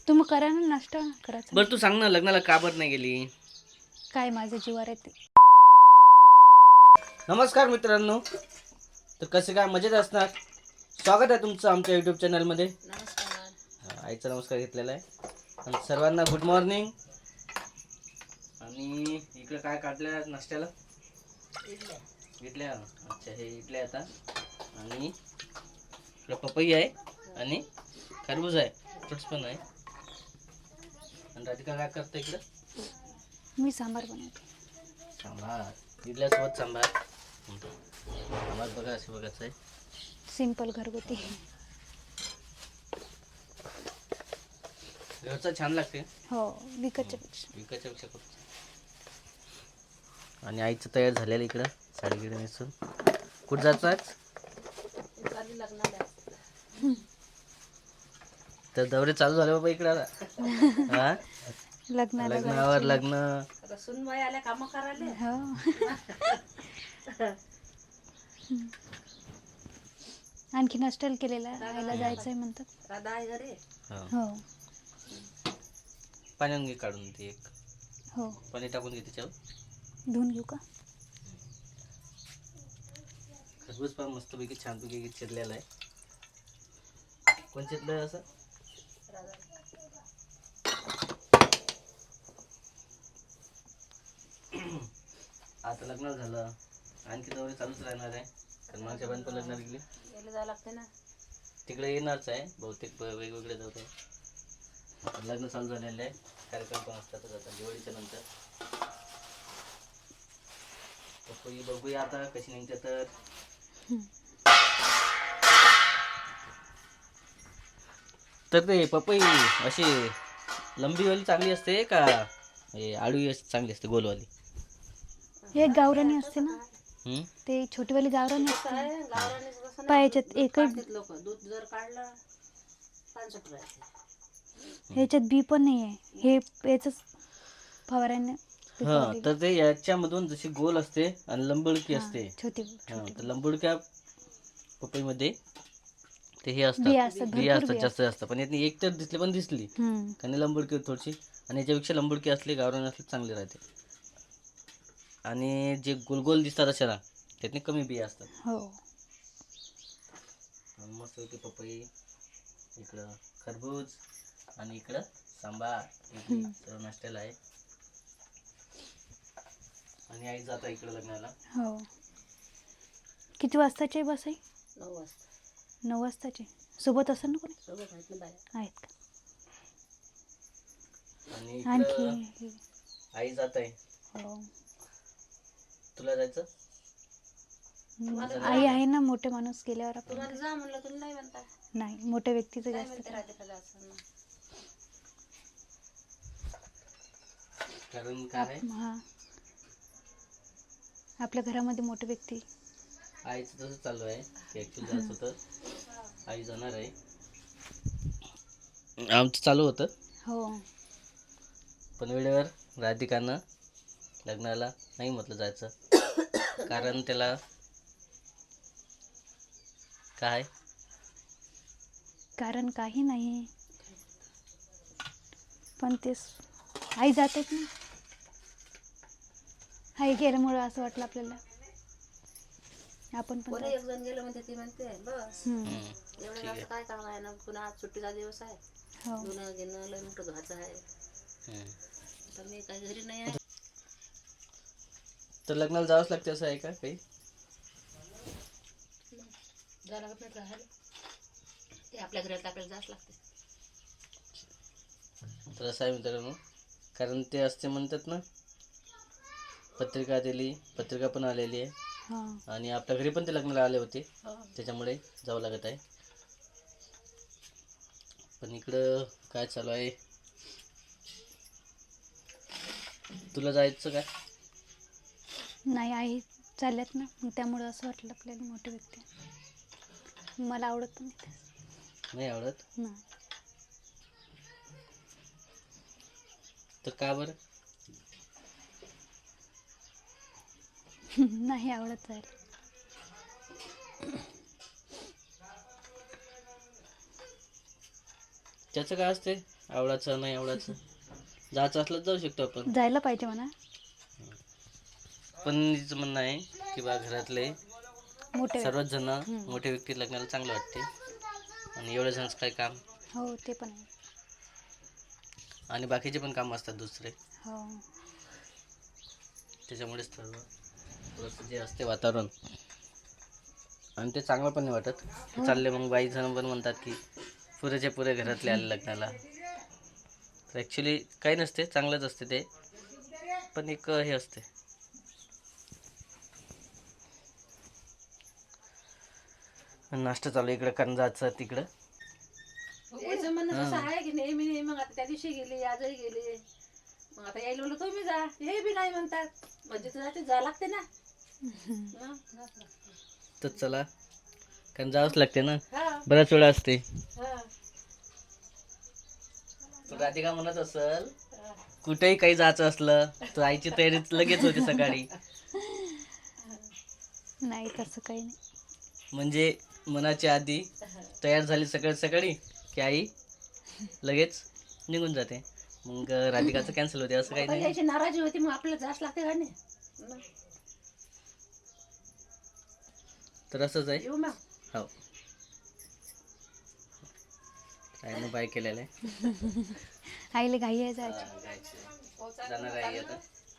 तुम्ही करा ना नाश्ता करायचा. बरं तू सांग ना, लग्नाला का बरं नाही गेली? काय माझं जीवावर येते. नमस्कार मित्रांनो, तर कसे काय मजेत असणार. स्वागत आहे तुमचं आमच्या यूट्यूब चॅनलमध्ये. आईचा नमस्कार घेतलेला आहे. आणि सर्वांना गुड मॉर्निंग. आणि इकडे काय काढलं नाश्त्याला? इडल्या. अच्छा, हे इडल्या आता. आणि इकडे पपई आहे आणि खरबूज आहे, फ्रुट्स पण आहे. आणि राधिका काय करते इकडं? मी सांबार बनवते. सांबार, इडल्यासोबत सांबार. सांबार बघा, असं बघायचं आहे. सिंपल घरगुती. घरचं छान लागते. हो, विकतच्या पेक्षा. विकायच्या पेक्षा खूप. आणि आईचं तयार झालेलं इकडं साडीगिडे नेसून. कुठं जायचं आज? तर दौरे चालू झाले बाबा इकडं आता. हा, लग्नाला लग्नावर लग्न. सुनबाई आल्या काम करायला. हो. आणखी नाश्त्याला केलेला आईला जायचंय म्हणतात. राधा आहे घरी. हो पाण्यानं घे काढून ते एक. हो, पाणी टाकून घे त्याच्यावर. धुवून घेऊ का? खरबूज पण मस्तपैकी छानपैकी चिरलेला आहे. कोण चिरलं असं? आता लग्न झालं, आणखी दौरे चालूच राहणार आहे. कारण माझ्या पण लग्नाला गेली. गेलं जायला लागते ना. तिकडे येणारच आहे बहुतेक, वेगवेगळे जात आहे. लग्न चालू झालेलं आहे, कार्यक्रम पण असतातच आता दिवाळीच्या नंतर. पपई बघूया आता कशी निघते. तर ते पपई अशी लंबीवाली चांगली असते का आडवी चांगली असते, गोलवाली? एक गावरानी असते ना, हम्म? ते छोटीवाली गावरानी असते. काय गावरानीच बसणं. पायाच्यात एकच काढतात लोक. दूध जर काढलं 5 रुपये. ह्याच्यात बी पण नाही आहे. हे याच फवाऱ्याने हा, पिकवलेलं. तर ते याच्यामधून जशी गोल असते आणि लंबुडकी हा, असते. छोटी हा, छोटी तर लंबुडक्या पपईमध्ये ते हे बिया असतात, असतात, बिया भरपूर असतात, बिया जास्त जास्त. पण यातनी एक तर दिसली पण दिसली, कारण लंबुडकी थोडीशी. आणि याच्यापेक्षा लंबुडकी असली, गावरान असली चांगली राहते. आणि जे गोलगोल दिसतात अशा ना, त्यातनी कमी बिया असतात. हो. मस्त होती पपई. इकडं खरबूज आणि इकडं सांबार, इडली सर्व नाश्त्याला आहे. आणि आई जाता इकडं लग्नाला. हो. किती वाजताची आहे बस आई? 9 वाजता. 9 वाजताची. सोबत असेल ना कोणी? सोबत आहेत ना बाया. आहेत का? आणि आणखी इकडं आई जात आहे. हो, तुला जायचं? आई आहे ना. मोठे माणूस गेल्यावर आपण तुम्हाला जा म्हणलं तुम्ही नाही म्हणता. नाही, मोठ्या व्यक्तीचं काय जास्त म्हणते काय. राधिका जायचं ना. कारण काय आहे, हा, आपल्या घरामध्ये मोठे व्यक्ती. आईचं तसं चालू आहे की ॲक्च्युली जायचं होतं, आई जाणार आहे. आमचं चालू होतं, हो. पण वेळेवर राधिकानं लग्नाला नाही म्हटलं जायचं. कारण त्याला काय, कारण काही नाही, पण तेच आई जातेच ना. आई गेल्यामुळं असं वाटलं आपल्याला आपण पण कोणी जायचं. एक जण गेलं म्हणते ती म्हणते बस. एवढं ठीक जास्त आहे. काय काम आहे ना. पुन्हा आज सुट्टीचा दिवस आहे. हो. धुणं घेणं लय मोठं धुवायचं आहे. तर मी काही घरी नाही आहे. तर लग्नाला जावंच लागते असं आहे का काही? जायला लागत नाही राहायला. ते आपल्या घरात आपल्याला जास्त लागते. तर असं आहे मित्रांनो, कारण ते असते म्हणतात ना, पत्रिका दिली, पत्रिका पण आलेली आहे. हा. आणि आपल्या घरी पण ते लग्नाला आले होते, हो. त्याच्यामुळे जावं लागत आहे. पण इकडं काय चालू आहे, तुला जायचं काय? नाही, आई चालल्यात ना, मग त्यामुळं असं वाटलं आपल्याला मोठे व्यक्ती. मला आवडत पण नाही. नाही आवडत? नाही. तर का बरं? नाही आवडत जायला. त्याचं काय असते, आवडायचं नाही आवडायचं, जायचं असलं तर जाऊ शकतो आपण. जायला पाहिजे म्हणा. पण तिचं म्हणणं आहे की बा घरातले मोठे सर्वच जण मोठे व्यक्ती लग्नाला चांगलं वाटते, आणि एवढे जणच काय काम, हो ते पण आहे. आणि बाकीचे पण काम असतात दुसरे, हो त्याच्यामुळेच थोडंसं जे असते वातावरण, आणि ते चांगलं पण नाही वाटत. ते चालले मग बाई जण पण म्हणतात की पुरेच्या पुरे घरातले आले लग्नाला. तर ॲक्च्युली काही नसते, चांगलंच असते ते, पण एक हे असते. नाश्ता चालू इकडं कारण जायचं तिकडं. याचं म्हणणं कसं आहे की नेहमी नेहमी, मग आता त्या दिवशी गेली आजही गेली, मग आता यायला म्हणलं तुम्ही जा, हे बी नाही म्हणतात, म्हणजे तुला ते जा लागते ना. हं. तर चला, कारण जावंच लागते ना, हा, बऱ्याच वेळा असते. हा, तर राधिका म्हणत असल हा. कुठेही काही जायचं असलं तर आईची तयारी लगेच होते सकाळी. नाही तसं काही नाही. म्हणजे मनाच्या आधी तयार झाली सकाळी सकाळी की आई लगेच निघून जाते. मग राधिकाचं कॅन्सल होते असं काही पण नाही. याची नाराजी होती, मग आपल्याला जास्त लागते का नाही. मग तर असंच आहे. येऊ मग. हो, आईनं बाय केलेलं आहे. आईला घाई आहे जायची. जाणार आहे आता.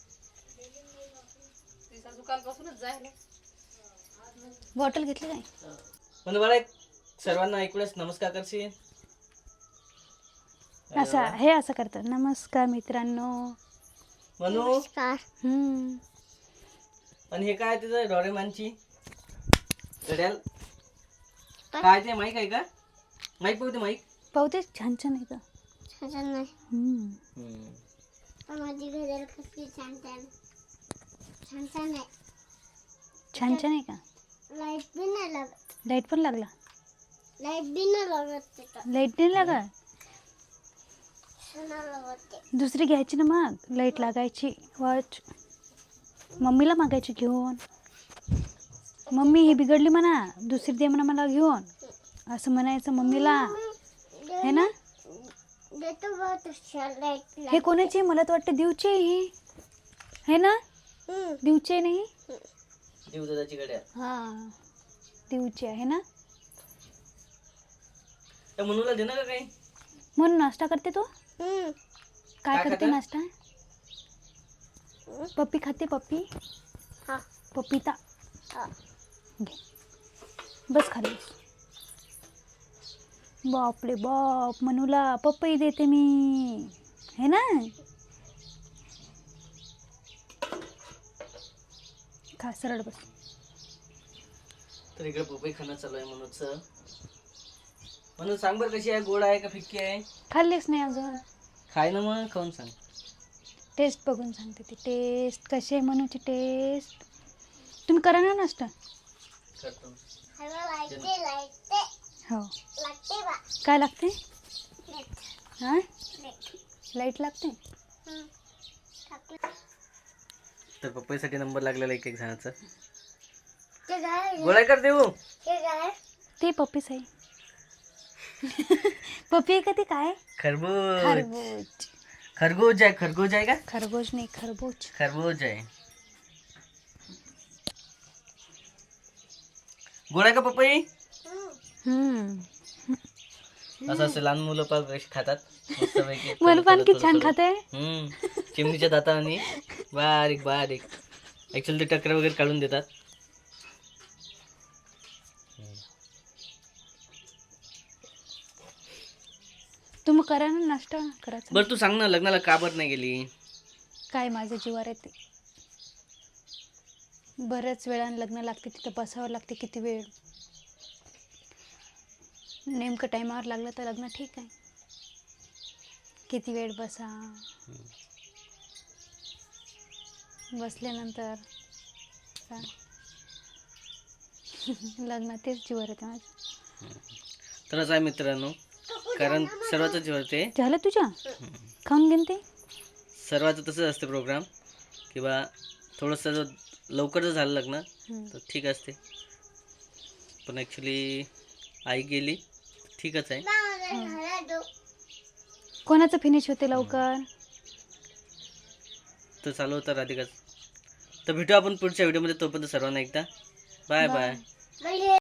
तिचा दुकानपासूनच जायला. बॉटल घेतली काय? पण मला एक सर्वांना ऐकूनच नमस्कार करशील. असं हे असं करतात. नमस्कार मित्रांनो. म्हणू. हम्म. आणि हे काय तिचं डोरेमॉनची घड्याल काय ते माईक आहे का? माईक बघते माईक. पाहते छान छान आहे का? छान नाही. हम्म. माझी घड्याळ कसली छान छान छान छान आहे. छान छान आहे का? लाईट बी नाही लागत. लाईट पण लागला? लाईट बी नाही लागत तिथं. लाईट नाही लागत? नाही लागत ते. दुसरी घ्यायची ना मग, लाईट लागायची वॉच. मम्मीला मागायची घेऊन. मम्मी ही बिघडली म्हणा, दुसरी दे म्हणा मला घेऊन, असं म्हणायचं मम्मीला, है ना? देतो बघ तशा लाईट. हे कोणाची? मला तर वाटतं देऊची आहे ही, है ना? देऊची आहे नाही? दिवसाची घड्याल. हां देऊची आहे ना? त्या मनूला दे ना का काही. म्हणून नाश्ता करते तू? काय काय करते खाता? नाश्ता? पप्पी खाते? पप्पी? हा. पपिता हा. घे, बस खाली. बापरे बाप, मनूला पपई देते मी, है ना? खा, सरळ बस. तर इकडे पपई खाणं चालू आहे मनूचं. म्हणून सांग बरं कशी आहे, गोड आहे का फिक्की आहे? खाल्लीच नाही अजून. खाय ना मग, खाऊन सांग. टेस्ट बघून सांगते ती. टेस्ट कशी आहे मनूची टेस्ट? तुम्ही करा ना नाश्ता. करतो. लागते लागते हो. लागते बा. काय लागते? मीठ. हां मीठ. लाईट लागते? टाकलं. तर पपईसाठी नंबर लागलेला एक एक जणांचा. ते काय? गोळा कर देऊ. ते काय? ते पप्पीच आहे. पप्पी आहे का ते? काय? खरबूज. खरबूज. खरबूज आहे. खरबूज आहे का? खरबूज नाही, खरबूज. खरबूज आहे. गोड आहे का पपई? असं असं लहान मुलं पण कशी खातात मस्तपैकी. मन पण किती छान खाते. चिमणीच्या दाताने बारीक बारीक. ऍक्च्युअली ते टकर वगैरे काढून देतात. तुम्ही करा ना नाश्ता. करायचा बरं तू सांग ना, लग्नाला का बरं नाही गेली? काय माझं जीवावर येते. बऱ्याच वेळानं लग्न लागते, तिथं बसावं लागते किती वेळ. नेमकं टायमावर लागलं तर लग्न ठीक आहे, किती वेळ बसा. बसल्यानंतर काय लग्न तेच जीवावर येते माझं. तर असं आहे मित्रांनो, कारण सर्वांचं जीव येते. झालं तुझ्या? खाऊन घेईन ते. सर्वांचं तसंच असते प्रोग्राम, किंवा थोडंसं जर लवकर जर झालं लग्न तर ठीक असते. पण ॲक्च्युली आई गेली ठीकच आहे. कोणाचं फिनिश होते लवकर. तर चालू होता राधिकाच. तर भेटू आपण पुढच्या व्हिडिओमध्ये. तोपर्यंत सर्वांना एकदा बाय बाय. पहिले